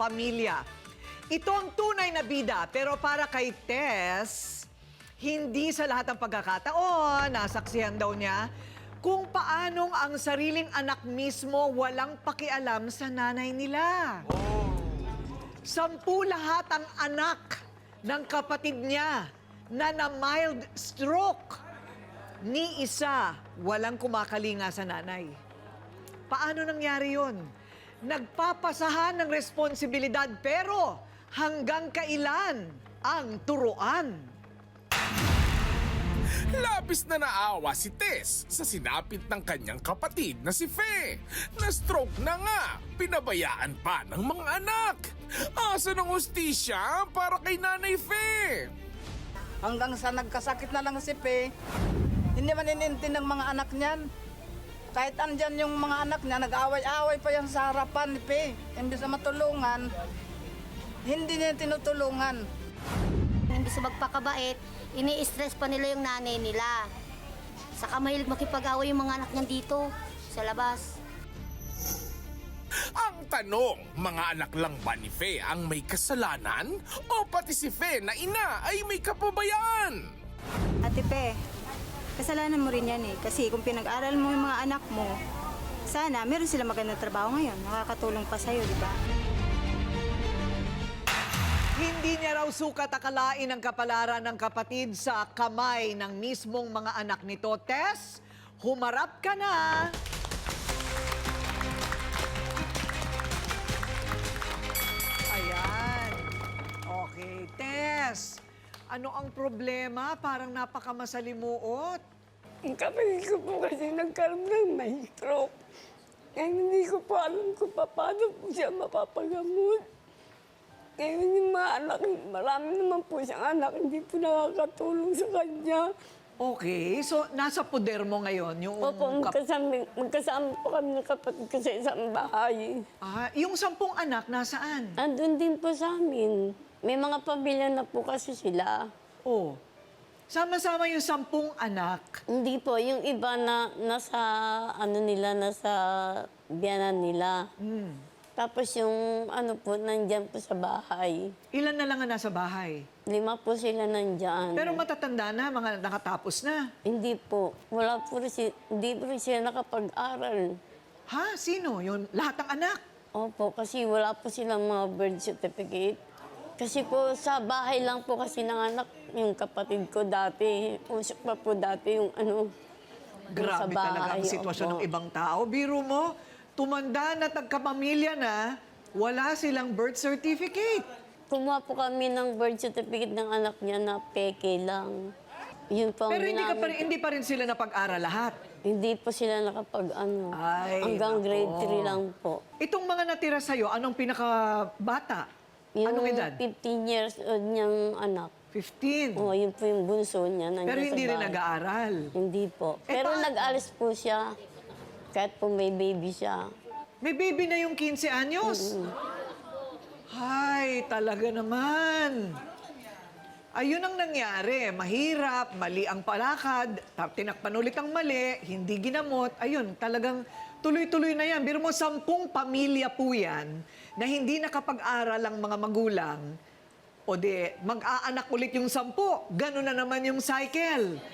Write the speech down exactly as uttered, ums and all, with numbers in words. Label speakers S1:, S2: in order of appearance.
S1: pamilya. Ito ang tunay na bida, pero para kay Tess, hindi sa lahat ng pagkakataon, nasaksihan daw niya, kung paanong ang sariling anak mismo walang pakialam sa nanay nila. Sampu lahat ang anak ng kapatid niya na na mild stroke. Ni isa, walang kumakalinga sa nanay. Paano nangyari yun? Nagpapasahan ng responsibilidad pero hanggang kailan ang turuan?
S2: Labis na naawa si Tess sa sinapit ng kanyang kapatid na si Fe. Na-stroke na nga, pinabayaan pa ng mga anak. Asa ng hustisya para kay Nanay Fe?
S3: Hanggang sa nagkasakit na lang si Pe, hindi man inintin ng mga anak niyan. Kahit andyan yung mga anak niya, nag-away-away pa yan sa harapan ni Pe. Imbis na matulungan, hindi niya tinutulungan.
S4: Imbis na magpakabait, ini-stress pa nila yung nanay nila. Saka mahilig makipag-away yung mga anak niyan dito, sa labas.
S2: Ang tanong, mga anak lang ba ni Fe ang may kasalanan? O pati si Fe na ina ay may kapabayaan?
S5: Ate Pe, kasalanan mo rin yan eh. Kasi kung pinag-aral mo yung mga anak mo, sana meron sila magandang trabaho ngayon. Nakakatulong pa sa'yo, di ba?
S1: Hindi niya raw sukat akalain ang kapalaran ng kapatid sa kamay ng mismong mga anak nito. Tess, humarap ka na! Ayan. Okay, Tess. Ano ang problema? Parang napakamasalimuot.
S6: Ang kapatid ko po kasi nagkaroon ng may stroke. Kaya hindi ko po alam kung paano po siya mapapagamot. Kaya yung mga anak, marami naman po siyang anak, hindi po nakakatulong sa kanya.
S1: Okay, so nasa poder mo ngayon yung...
S6: Opo,
S1: kap-
S6: magkasama, magkasama po kami ng kapatid ko sa isang bahay.
S1: Ah, yung sampung anak, nasaan?
S6: Andun din po sa amin. May mga pamilya na po kasi sila.
S1: Oh, sama-sama yung sampung anak.
S6: Hindi po, yung iba na nasa, ano nila, nasa biyanan nila.
S1: Hmm.
S6: Tapos yung ano po, nandyan po sa bahay.
S1: Ilan na lang ang nasa bahay?
S6: Lima po sila nandyan.
S1: Pero matatanda na, mga nakatapos na.
S6: Hindi po. Wala po rin, si- hindi po rin sila nakapag-aral.
S1: Ha? Sino? Yung lahat ng anak?
S6: Opo, kasi wala po silang mga birth certificate. Kasi po sa bahay lang po kasi nanganak yung kapatid ko dati. Usok pa po dati yung ano, yung sa
S1: Grabe talaga ang
S6: bahay.
S1: sitwasyon
S6: Opo.
S1: ng ibang tao. Biro mo, tumanda na tagkapamilya na, wala silang birth certificate.
S6: Kumuha po kami ng birth certificate ng anak niya na peke lang. Yun po ang
S1: Pero hindi, ka pa rin,
S6: ginamit.
S1: hindi pa rin sila napag-aral lahat.
S6: Hindi po sila nakapag ano.
S1: Ay,
S6: hanggang
S1: nako.
S6: grade three lang po.
S1: Itong mga natira sa'yo, anong pinakabata? Anong edad?
S6: fifteen years old niyang anak.
S1: fifteen.
S6: Oh, yun po yung bunso niya. nandiyan
S1: Pero
S6: sa
S1: hindi rin
S6: bahay.
S1: nag-aaral.
S6: Hindi po.
S1: Eh,
S6: Pero
S1: paano?
S6: nag-alis po siya. Kahit po may baby siya.
S1: May baby na yung fifteen anyos. Hay, talaga naman. Ayun ang nangyari. Mahirap, mali ang palakad, tap- tinakpan ulit ang mali, hindi ginamot. Ayun, talagang tuloy-tuloy na yan. Biro mo, sampung pamilya po yan na hindi nakapag-aral ang mga magulang. O de, mag-aanak ulit yung sampu. Ganun na naman yung cycle.